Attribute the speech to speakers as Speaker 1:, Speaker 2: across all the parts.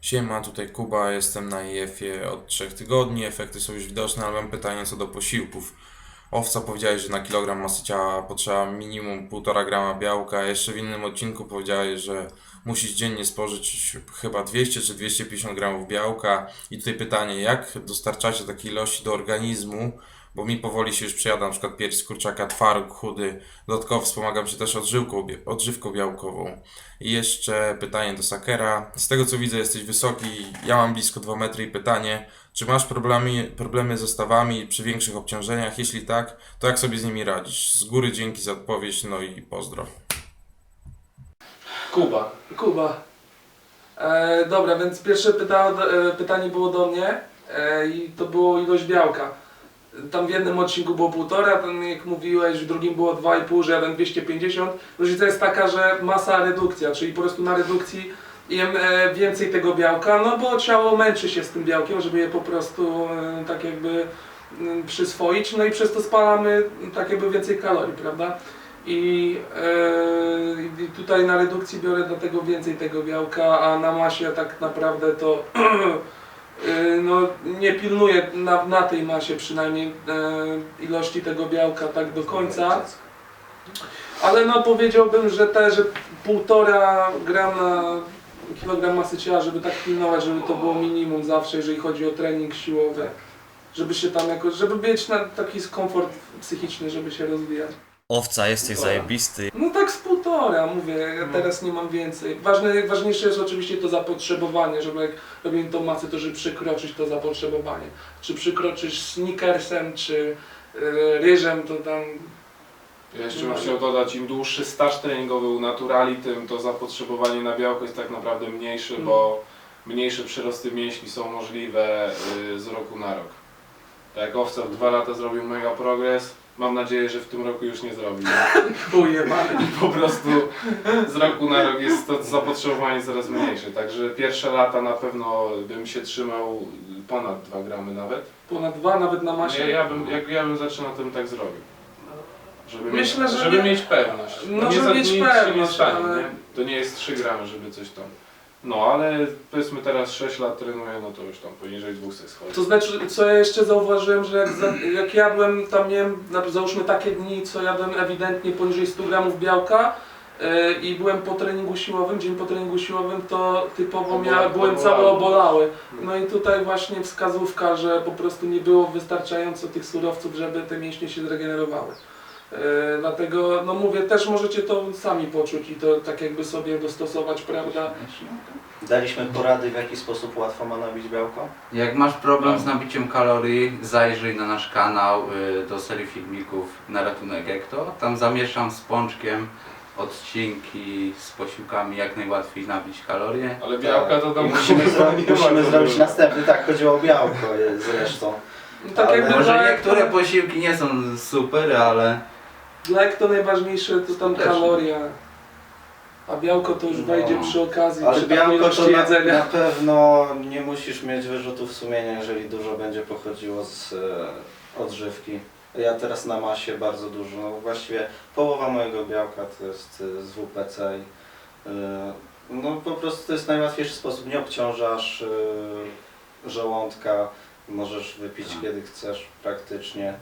Speaker 1: Siema, tutaj Kuba, jestem na IF-ie od 3 tygodni, efekty są już widoczne, ale mam pytanie co do posiłków. Owca powiedziałeś, że na kilogram masy ciała potrzeba minimum 1,5 grama białka, a jeszcze w innym odcinku powiedziałeś, że musisz dziennie spożyć chyba 200 czy 250 gramów białka. I tutaj pytanie, jak dostarczacie takiej ilości do organizmu? Bo mi powoli się już przejada, na przykład pierś z kurczaka, twaróg chudy. Dodatkowo wspomagam się też odżywką białkową. I jeszcze pytanie do Sakera. Z tego co widzę, jesteś wysoki, ja mam blisko 2 metry i pytanie, czy masz problemy ze stawami przy większych obciążeniach? Jeśli tak, to jak sobie z nimi radzisz? Z góry dzięki za odpowiedź, no i pozdro.
Speaker 2: Kuba. Dobra, więc pierwsze pytanie było do mnie i to było ilość białka. Tam w jednym odcinku było 1,5, tam jak mówiłeś, w drugim było 2,5, że jeden 250. Różnica jest taka, że masa redukcja, czyli po prostu na redukcji jem więcej tego białka, no bo ciało męczy się z tym białkiem, żeby je po prostu tak jakby przyswoić, no i przez to spalamy tak jakby więcej kalorii, prawda? I tutaj na redukcji biorę dlatego więcej tego białka, a na masie tak naprawdę to no, nie pilnuję na tej masie przynajmniej ilości tego białka tak do końca. Ale no powiedziałbym, że 1,5 grama kilogram masy ciała, żeby tak pilnować, żeby to było minimum zawsze, jeżeli chodzi o trening siłowy. Żeby się tam jakoś, żeby mieć na taki komfort psychiczny, żeby się rozwijać.
Speaker 3: Owca, jesteś zajebisty.
Speaker 2: No tak z 1,5, mówię, ja teraz nie mam więcej. Ważniejsze jest oczywiście to zapotrzebowanie, żeby jak robimy tą masę, to żeby przekroczyć to zapotrzebowanie. Czy przekroczysz sneakersem, czy ryżem, to tam...
Speaker 4: Ja jeszcze bym chciał dodać, im dłuższy staż treningowy u naturali, tym to zapotrzebowanie na białko jest tak naprawdę mniejsze, bo mniejsze przyrosty mięśni są możliwe z roku na rok. Tak jak Owca w 2 lata zrobił mega progres, mam nadzieję, że w tym roku już nie zrobi.
Speaker 2: Ujebane.
Speaker 4: Po prostu z roku na rok jest to zapotrzebowanie coraz mniejsze, także pierwsze lata na pewno bym się trzymał ponad 2 gramy nawet.
Speaker 2: Ponad 2 nawet na masie?
Speaker 4: Jak ja bym zaczynał, to bym tak zrobił.
Speaker 2: Myślę, że
Speaker 4: żeby
Speaker 2: nie...
Speaker 4: mieć pewność.
Speaker 2: No,
Speaker 4: nie
Speaker 2: żeby mieć
Speaker 4: nic się nie
Speaker 2: pewność,
Speaker 4: stanie,
Speaker 2: ale...
Speaker 4: nie? To nie jest 3 gramy, żeby coś tam. No ale powiedzmy teraz 6 lat trenuję, no to już tam poniżej 200 schodzi.
Speaker 2: To znaczy, co ja jeszcze zauważyłem, że jak jadłem, tam miałem, załóżmy takie dni, co jadłem ewidentnie poniżej 100 gramów białka i byłem po treningu siłowym, dzień po treningu siłowym, to typowo byłem cały obolały. No i tutaj właśnie wskazówka, że po prostu nie było wystarczająco tych surowców, żeby te mięśnie się zregenerowały. Dlatego, no mówię, też możecie to sami poczuć i to tak jakby sobie dostosować, prawda?
Speaker 5: Daliśmy porady, w jaki sposób łatwo ma nabić białko?
Speaker 6: Jak masz problem z nabiciem kalorii, zajrzyj na nasz kanał do serii filmików na ratunek Ekto. Tam zamieszam z pączkiem odcinki z posiłkami, jak najłatwiej nabić kalorie.
Speaker 4: Ale białka to tam
Speaker 5: Musimy zrobić następny, tak, chodziło o białko zresztą.
Speaker 2: Tak
Speaker 5: Ale
Speaker 2: jakby
Speaker 6: Może
Speaker 2: dla
Speaker 6: niektóre posiłki nie są super, ale...
Speaker 2: Dla to najważniejsze to tam
Speaker 6: Też.
Speaker 2: kaloria, a białko to już wejdzie przy okazji,
Speaker 5: Ale
Speaker 2: przy takiej
Speaker 5: białko
Speaker 2: ilości
Speaker 5: to
Speaker 2: jedzenia.
Speaker 5: na pewno nie musisz mieć wyrzutów sumienia, jeżeli dużo będzie pochodziło z odżywki. Ja teraz na masie bardzo dużo, no właściwie połowa mojego białka to jest z WPC i no po prostu to jest najłatwiejszy sposób, nie obciążasz żołądka, możesz wypić kiedy chcesz praktycznie.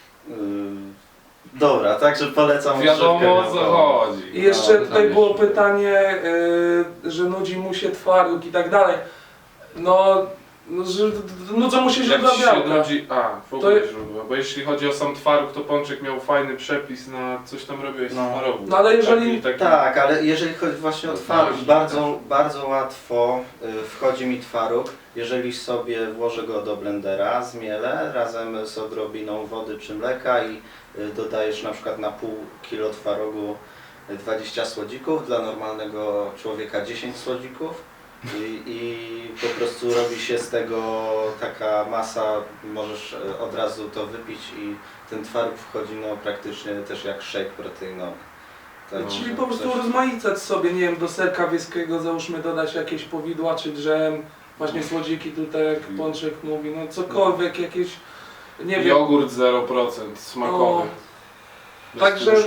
Speaker 5: Dobra, także polecam
Speaker 4: wiadomo o
Speaker 5: odżywkę
Speaker 4: co
Speaker 5: białkową.
Speaker 4: chodzi.
Speaker 2: I jeszcze
Speaker 6: No,
Speaker 2: tutaj
Speaker 6: tam
Speaker 2: było
Speaker 6: jeszcze.
Speaker 2: pytanie, że nudzi mu się twaróg i tak dalej. No że nudzą mu się
Speaker 4: Jak
Speaker 2: źródła
Speaker 4: ci się
Speaker 2: białka.
Speaker 4: nudzi, w ogóle źródła, bo jeśli chodzi o sam twaróg, to Pączek miał fajny przepis na coś tam robiłeś z
Speaker 5: No.
Speaker 4: twarogu.
Speaker 2: No, ale jeżeli-
Speaker 5: Tak, ale jeżeli chodzi właśnie o twaróg, bardzo łatwo wchodzi mi twaróg, jeżeli sobie włożę go do blendera, zmielę razem z odrobiną wody czy mleka i dodajesz na przykład na pół kilo twarogu 20 słodzików, dla normalnego człowieka 10 słodzików. I po prostu robi się z tego taka masa, możesz od razu to wypić i ten twaróg wchodzi no praktycznie też jak shake proteinowy.
Speaker 2: Czyli po prostu rozmaicać sobie, nie wiem, do serka wieskiego załóżmy dodać jakieś powidła czy dżem, właśnie słodziki tutaj jak Pączek mówi, no cokolwiek, jakieś, nie wiem.
Speaker 4: Jogurt 0% smakowy. Bez
Speaker 2: Także
Speaker 4: tłuszczu.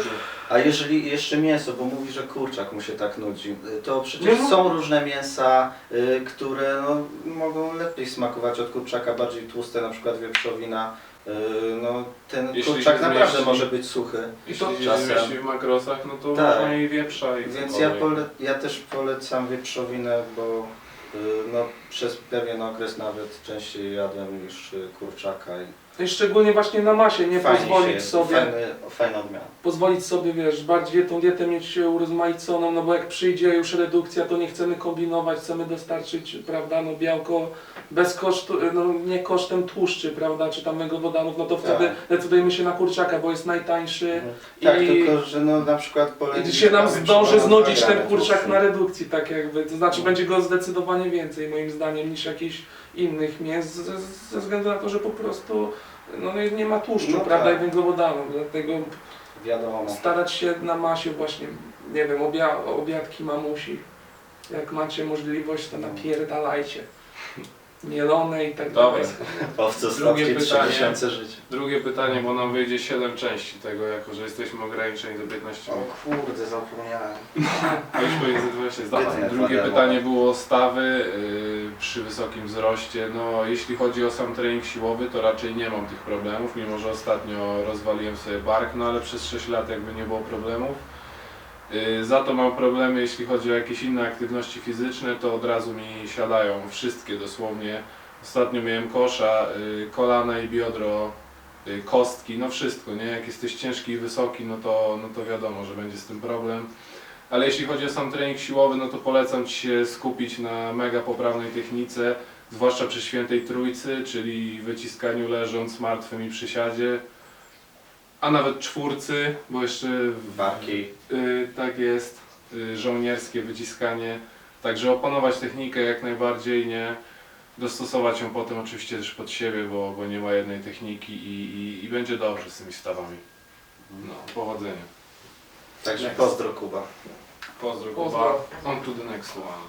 Speaker 5: A jeżeli jeszcze mięso, bo mówi, że kurczak mu się tak nudzi, to przecież
Speaker 2: Nie, no.
Speaker 5: są różne mięsa, które no, mogą lepiej smakować od kurczaka, bardziej tłuste, na przykład wieprzowina. No, ten
Speaker 4: Jeśli
Speaker 5: kurczak
Speaker 4: się
Speaker 5: naprawdę
Speaker 4: zmieści-
Speaker 5: może być suchy.
Speaker 4: Jeśli
Speaker 2: to
Speaker 4: się
Speaker 5: czasem-
Speaker 4: zmieści w makrosach, no to
Speaker 5: Tak.
Speaker 4: można i wieprza i
Speaker 5: Więc ja,
Speaker 4: cokolwiek.
Speaker 5: ja też polecam wieprzowinę, bo no, przez pewien okres nawet częściej jadłem niż kurczaka.
Speaker 2: I szczególnie właśnie na masie, nie
Speaker 5: Fajnie
Speaker 2: pozwolić
Speaker 5: się,
Speaker 2: sobie,
Speaker 5: fajna odmiana.
Speaker 2: pozwolić sobie, wiesz, bardziej tą dietę mieć urozmaiconą, no bo jak przyjdzie już redukcja, to nie chcemy kombinować, chcemy dostarczyć, prawda, no białko bez kosztu, no nie kosztem tłuszczy, prawda, czy tam węglowodanów, no to wtedy decydujemy się na kurczaka, bo jest najtańszy
Speaker 5: Tak,
Speaker 2: i,
Speaker 5: tylko że no, na przykład
Speaker 2: i się nam zdąży znudzić ten kurczak
Speaker 5: tłuszczu.
Speaker 2: na redukcji, tak jakby, to znaczy
Speaker 5: No.
Speaker 2: będzie go zdecydowanie więcej moim zdaniem niż jakichś innych mięs, ze względu na to, że po prostu no, nie ma tłuszczu,
Speaker 5: No
Speaker 2: prawda,
Speaker 5: tak.
Speaker 2: i węglowodanów, dlatego
Speaker 5: Wiadomo.
Speaker 2: starać się na masie właśnie, nie wiem, obiadki mamusi. Jak macie możliwość, to napierdalajcie. Mielone i tak
Speaker 4: Dobra.
Speaker 2: dalej.
Speaker 5: Owce
Speaker 4: Drugie
Speaker 5: słodkie 3
Speaker 4: pytanie.
Speaker 5: miesiące życia.
Speaker 4: Drugie pytanie, bo nam wyjdzie 7 części tego, jako że jesteśmy ograniczeni do 15 minut.
Speaker 5: kurde, zapomniałem.
Speaker 4: A już pomiędzy 20 zdań.
Speaker 5: Zbytnie
Speaker 4: Drugie
Speaker 5: twarde
Speaker 4: pytanie było o stawy przy wysokim wzroście. No, jeśli chodzi o sam trening siłowy, to raczej nie mam tych problemów, mimo że ostatnio rozwaliłem sobie bark, no ale przez 6 lat jakby nie było problemów. Za to mam problemy, jeśli chodzi o jakieś inne aktywności fizyczne, to od razu mi siadają wszystkie dosłownie. Ostatnio miałem kosza, kolana i biodro, kostki, no wszystko, nie? Jak jesteś ciężki i wysoki, no to wiadomo, że będzie z tym problem. Ale jeśli chodzi o sam trening siłowy, no to polecam Ci się skupić na mega poprawnej technice, zwłaszcza przy świętej trójcy, czyli wyciskaniu leżąc, martwym i przysiadzie, a nawet czwórcy, bo jeszcze
Speaker 5: Barki.
Speaker 4: tak jest, żołnierskie wyciskanie. Także opanować technikę jak najbardziej, nie dostosować ją potem oczywiście też pod siebie, bo nie ma jednej techniki i będzie dobrze z tymi stawami. No, powodzenia.
Speaker 5: Także
Speaker 2: Next.
Speaker 5: pozdro Kuba.
Speaker 4: Pozdro,
Speaker 2: Pozdro.
Speaker 4: Kuba. On to the next one.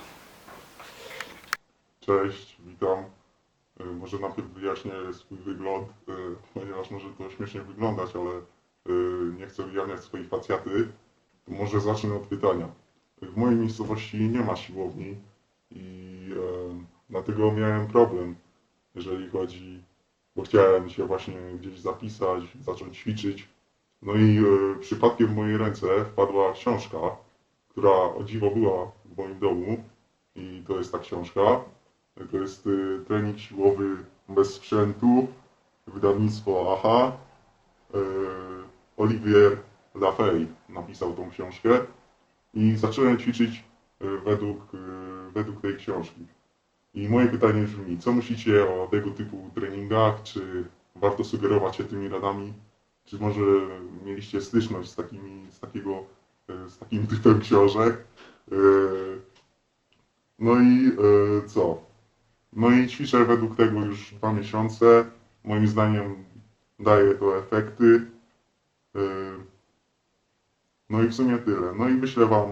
Speaker 7: Cześć, witam. Może najpierw wyjaśnię swój wygląd, ponieważ może to śmiesznie wyglądać, ale nie chcę ujawniać swojej facjaty. To może zacznę od pytania. W mojej miejscowości nie ma siłowni i dlatego miałem problem, jeżeli chodzi, bo chciałem się właśnie gdzieś zapisać, zacząć ćwiczyć. No i przypadkiem w moje ręce wpadła książka, która o dziwo była w moim domu i to jest ta książka. To jest trening siłowy bez sprzętu, wydawnictwo AHA. Olivier Lafay napisał tą książkę i zacząłem ćwiczyć według tej książki. I moje pytanie brzmi, co myślicie o tego typu treningach? Czy warto sugerować się tymi radami? Czy może mieliście styczność z takim typem książek? No i co? No i ćwiczę według tego już 2 miesiące. Moim zdaniem daje to efekty. No i w sumie tyle. No i wyślę Wam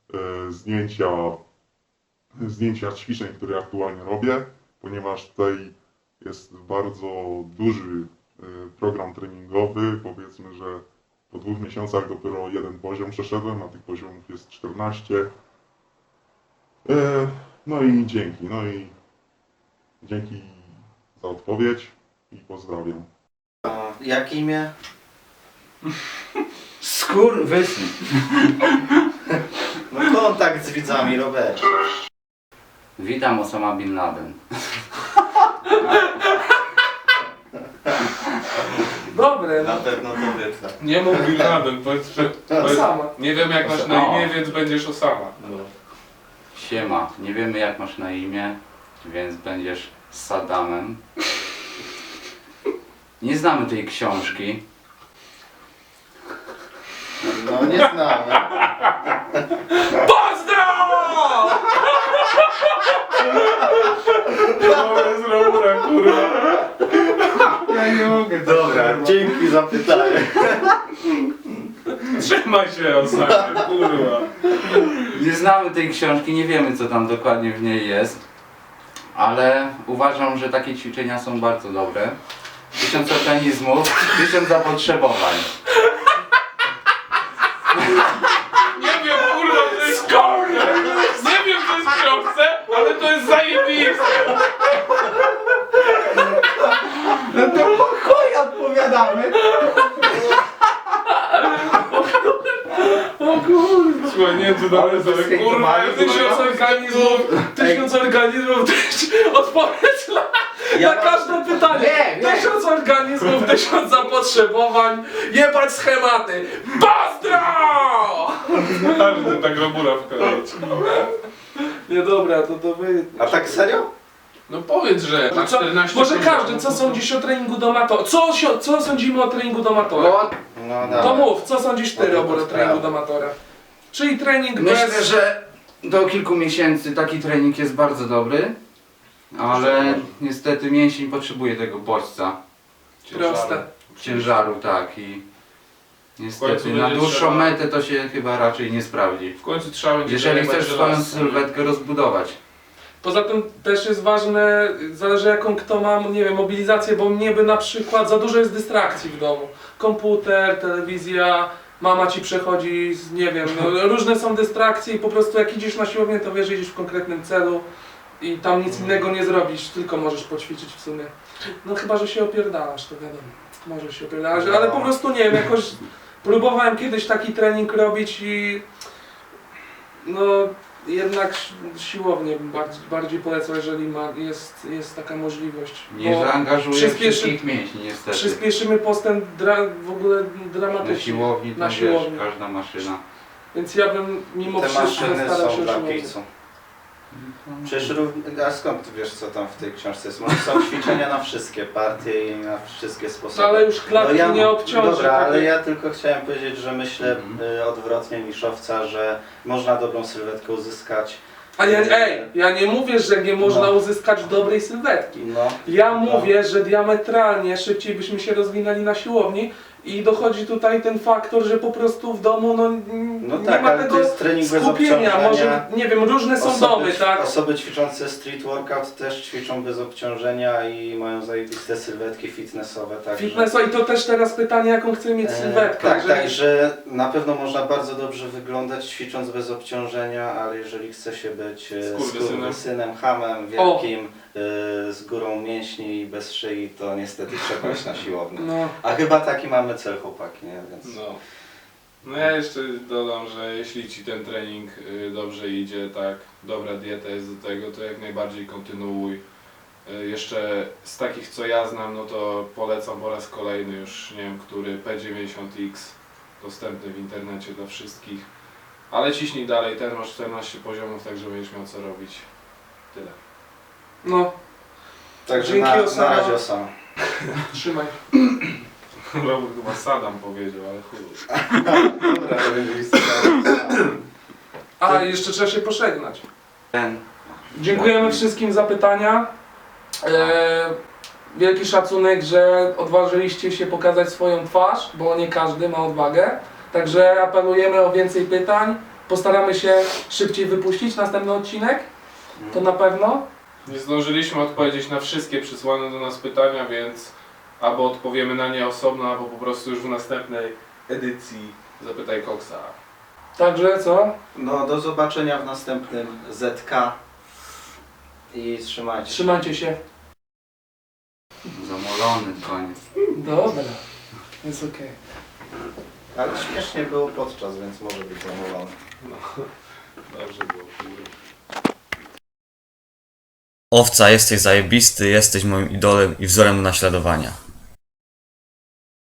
Speaker 7: zdjęcia ćwiczeń, które aktualnie robię, ponieważ tutaj jest bardzo duży program treningowy. Powiedzmy, że po 2 miesiącach dopiero jeden poziom przeszedłem, a tych poziomów jest 14. No i dzięki. Dzięki za odpowiedź i pozdrawiam.
Speaker 5: A jak imię?
Speaker 6: Skurwysyn.
Speaker 5: No kontakt z widzami, Robert.
Speaker 6: Witam, Osama Bin Laden.
Speaker 2: Dobre,
Speaker 5: Na
Speaker 2: no.
Speaker 5: pewno to wytnę.
Speaker 4: Nie mów Bin Laden, powiedz,
Speaker 2: Sama.
Speaker 4: nie wiem jak masz na imię, więc będziesz Osama.
Speaker 6: Siema, nie wiemy jak masz na imię, więc będziesz Saddamem. Nie znamy tej książki.
Speaker 5: No nie znamy.
Speaker 4: To jest Robura, kurwa.
Speaker 6: Ja nie mogę.
Speaker 5: Dobra, dzięki za pytanie.
Speaker 4: Trzymaj się, Osama, kurwa.
Speaker 6: Nie znamy tej książki, nie wiemy co tam dokładnie w niej jest. Ale uważam, że takie ćwiczenia są bardzo dobre. 1000 organizmów, 1000 zapotrzebowań.
Speaker 4: ale kurwa,
Speaker 2: Tysiąc organizmów, odpowiedź na każde pytanie.
Speaker 6: Nie.
Speaker 2: 1000 organizmów, 1000 zapotrzebowań, jebać schematy. Pozdro!
Speaker 4: Każdy tak robura wkleić.
Speaker 2: Nie dobra, to wy...
Speaker 5: A tak serio?
Speaker 4: No powiedz, że na
Speaker 2: Co,
Speaker 4: 14
Speaker 2: może
Speaker 4: poziomów.
Speaker 2: każdy, co sądzisz o treningu do amatora? Co sądzimy o treningu do amatora?
Speaker 6: No,
Speaker 5: No
Speaker 2: To
Speaker 5: dawaj.
Speaker 2: mów, co sądzisz ty, Robert, o treningu do amatora? Czyli trening
Speaker 6: myślę,
Speaker 2: bez...
Speaker 6: że do kilku miesięcy taki trening jest bardzo dobry, ale niestety mięsień potrzebuje tego bodźca,
Speaker 2: Proste.
Speaker 6: ciężaru, tak, i
Speaker 4: W
Speaker 6: niestety
Speaker 4: końcu
Speaker 6: na
Speaker 4: będzie
Speaker 6: dłuższą
Speaker 4: trzeba-
Speaker 6: metę to się chyba raczej nie sprawdzi.
Speaker 4: W końcu trzeba będzie
Speaker 6: Jeżeli
Speaker 4: zajebać
Speaker 6: chcesz swoją
Speaker 4: żelazo.
Speaker 6: sylwetkę rozbudować.
Speaker 2: Poza tym też jest ważne, zależy jaką kto ma, nie wiem, mobilizację, bo mnie by na przykład za dużo jest dystrakcji w domu. Komputer, telewizja, mama ci przechodzi, nie wiem, no, różne są dystrakcje i po prostu jak idziesz na siłownię, to wiesz, że idziesz w konkretnym celu i tam nic innego nie zrobisz, tylko możesz poćwiczyć w sumie. No chyba, że się opierdalasz, to wiadomo. Może się opierdalasz, ale po prostu nie wiem, jakoś próbowałem kiedyś taki trening robić i no jednak siłownię bardziej polecam, jeżeli jest taka możliwość.
Speaker 6: Nie
Speaker 2: Bo
Speaker 6: zaangażuje
Speaker 2: przyspieszy-
Speaker 6: wszystkich mięśni niestety.
Speaker 2: przyspieszymy postęp w ogóle dramatycznie.
Speaker 6: Na siłowni,
Speaker 2: Na
Speaker 6: to
Speaker 2: siłowni.
Speaker 6: wiesz, każda maszyna.
Speaker 2: Więc ja bym mimo
Speaker 5: Te
Speaker 2: wszystko
Speaker 5: maszyny
Speaker 2: starał się
Speaker 5: są
Speaker 2: o
Speaker 5: dla
Speaker 2: siłownię.
Speaker 5: pizzu. Przecież a skąd ty wiesz co tam w tej książce jest? Są ćwiczenia na wszystkie partie i na wszystkie sposoby.
Speaker 2: Ale już klatki nie obciąży.
Speaker 5: Dobra,
Speaker 2: tak
Speaker 5: ale
Speaker 2: jak-
Speaker 5: ja tylko chciałem powiedzieć, że myślę odwrotnie niż Owca, że można dobrą sylwetkę uzyskać.
Speaker 2: A ja nie mówię, że nie można
Speaker 5: No.
Speaker 2: uzyskać dobrej sylwetki.
Speaker 5: No,
Speaker 2: Ja mówię, że diametralnie szybciej byśmy się rozwinęli na siłowni i dochodzi tutaj ten faktor, że po prostu w domu
Speaker 5: no
Speaker 2: nie
Speaker 5: tak,
Speaker 2: ma
Speaker 5: ale
Speaker 2: tego
Speaker 5: to jest trening bez
Speaker 2: skupienia.
Speaker 5: obciążenia.
Speaker 2: Może, nie wiem, różne są domy, tak?
Speaker 5: Osoby ćwiczące street workout też ćwiczą bez obciążenia i mają zajebiste sylwetki fitnessowe. Także...
Speaker 2: Fitness, i to też teraz pytanie, jaką chcę mieć sylwetkę.
Speaker 5: Tak,
Speaker 2: Jeżeli-
Speaker 5: także na pewno można bardzo dobrze wyglądać ćwicząc bez obciążenia, ale jeżeli chce się być skurwysynem, hamem wielkim, z górą mięśni i bez szyi, to niestety trzeba iść na siłownię.
Speaker 2: No.
Speaker 5: A chyba taki mamy cel, chłopaki, nie? Więc...
Speaker 4: No ja jeszcze dodam, że jeśli ci ten trening dobrze idzie, tak, dobra dieta jest do tego, to jak najbardziej kontynuuj. Jeszcze z takich co ja znam, no to polecam po raz kolejny już, nie wiem który, P90X, dostępny w internecie dla wszystkich. Ale ciśnij dalej, ten masz 14 poziomów, także będziesz miał co robić. Tyle.
Speaker 2: No,
Speaker 5: Także
Speaker 2: Dzięki,
Speaker 5: na
Speaker 2: Osama.
Speaker 5: razie Osama.
Speaker 2: trzymaj.
Speaker 4: Robert chyba Saddam powiedział, ale chuj.
Speaker 5: Dobra,
Speaker 2: A, jeszcze trzeba się pożegnać.
Speaker 6: Ten.
Speaker 2: Dziękujemy wszystkim za pytania. Wielki szacunek, że odważyliście się pokazać swoją twarz, bo nie każdy ma odwagę. Także apelujemy o więcej pytań. Postaramy się szybciej wypuścić następny odcinek. To na pewno.
Speaker 4: Nie zdążyliśmy odpowiedzieć na wszystkie przysłane do nas pytania, więc albo odpowiemy na nie osobno, albo po prostu już w następnej edycji Zapytaj Koksa.
Speaker 2: Także co?
Speaker 5: No do zobaczenia w następnym ZK i trzymajcie się.
Speaker 2: Trzymajcie się.
Speaker 6: Zamolony koniec.
Speaker 2: Dobra. Jest okej.
Speaker 5: Ale śmiesznie było podczas, więc może być zamówiony.
Speaker 4: No, dobrze było.
Speaker 3: Owca, jesteś zajebisty, jesteś moim idolem i wzorem do naśladowania.